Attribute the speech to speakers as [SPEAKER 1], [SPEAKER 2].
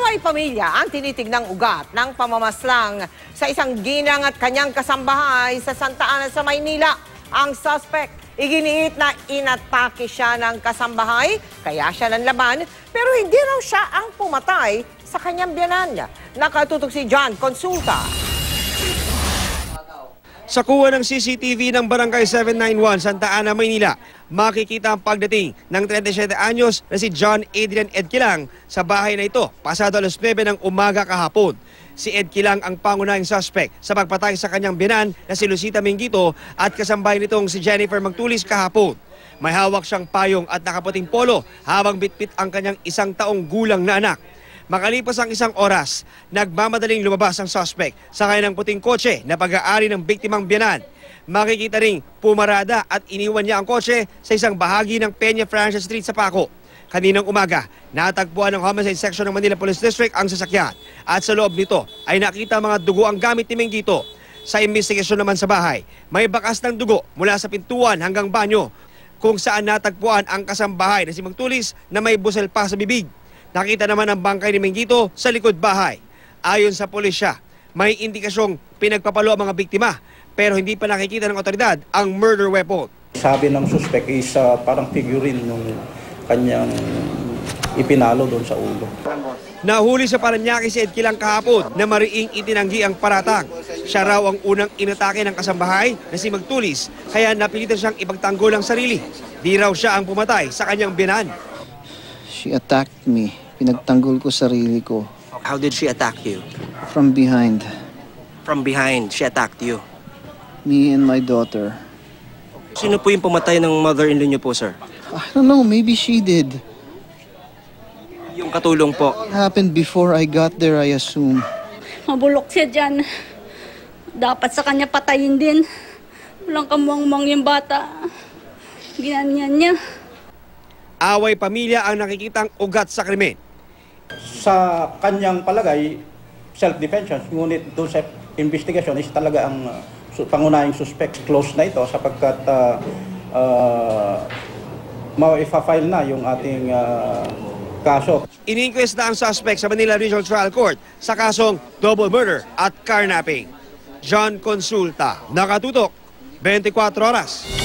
[SPEAKER 1] Away pamilya ang tinitignang ugat ng pamamaslang sa isang ginang at kanyang kasambahay sa Santa Ana sa Maynila. Ang suspect, iginiit na inatake siya ng kasambahay, kaya siya nanlaban, pero hindi raw siya ang pumatay sa kanyang biyanan. Nakatutok si John Consulta.
[SPEAKER 2] Sa kuha ng CCTV ng Barangay 791, Santa Ana, Maynila, makikita ang pagdating ng 37 anyos na si John Adrian Edquilang sa bahay na ito pasado alas 9 ng umaga kahapon. Si Edquilang ang pangunahing suspect sa pagpatay sa kanyang biyanan na si Lucita Mingito at kasambahay nitong si Jennifer Magtulis kahapon. May hawak siyang payong at nakaputing polo habang bitbit ang kanyang 1 taong gulang na anak. Makalipas ang 1 oras, nagmamadaling lumabas ang suspect sa kanyang puting kotse na pag-aari ng biktimang biyanan. Makikita ring pumarada at iniwan niya ang kotse sa isang bahagi ng Peña Francia Street sa Paco. Kaninang umaga, natagpuan ng Homicide Section ng Manila Police District ang sasakyan at sa loob nito ay nakita mga dugo ang gamit ni Mingito. Sa investigasyon naman sa bahay, may bakas ng dugo mula sa pintuan hanggang banyo kung saan natagpuan ang kasambahay na si Magtulis na may busel pa sa bibig. Nakita naman ang bangkay ni Mingito sa likod bahay. Ayon sa pulisya, may indikasyong pinagpapalo ang mga biktima pero hindi pa nakikita ng otoridad ang murder weapon.
[SPEAKER 3] Sabi ng suspect is parang figurine nung kanyang ipinalo doon sa ulo.
[SPEAKER 2] Nahuli sa Paranaque si Edquilang kahapon na mariing itinanggi ang paratang. Siya raw ang unang inatake ng kasambahay na si Magtulis kaya napilitan siyang ipagtanggol ang sarili. Di raw siya ang pumatay sa kanyang biyanan.
[SPEAKER 4] She attacked me. Pinagtanggol ko sarili ko.
[SPEAKER 5] How did she attack you?
[SPEAKER 4] From behind.
[SPEAKER 5] From behind, she attacked you.
[SPEAKER 4] Me and my daughter.
[SPEAKER 5] Sino po yung pumatay ng mother-in-law niyo po, sir?
[SPEAKER 4] I don't know, maybe she did.
[SPEAKER 5] Yung katulong po.
[SPEAKER 4] It happened before I got there, I assume.
[SPEAKER 6] Mabulok siya dyan. Dapat sa kanya patayin din. Walang kamuang-muang yung bata. Ginanyan niya.
[SPEAKER 2] Away pamilya ang nakikitang ugat sa krimen.
[SPEAKER 3] Sa kanyang palagay, self-defense, ngunit doon sa investigation is talaga ang pangunahing suspect. Close na ito sapagkat ma-file na yung ating kaso.
[SPEAKER 2] Ini-inquest na ang suspect sa Manila Regional Trial Court sa kasong double murder at carnapping. John Consulta, Nakatutok, 24 Oras.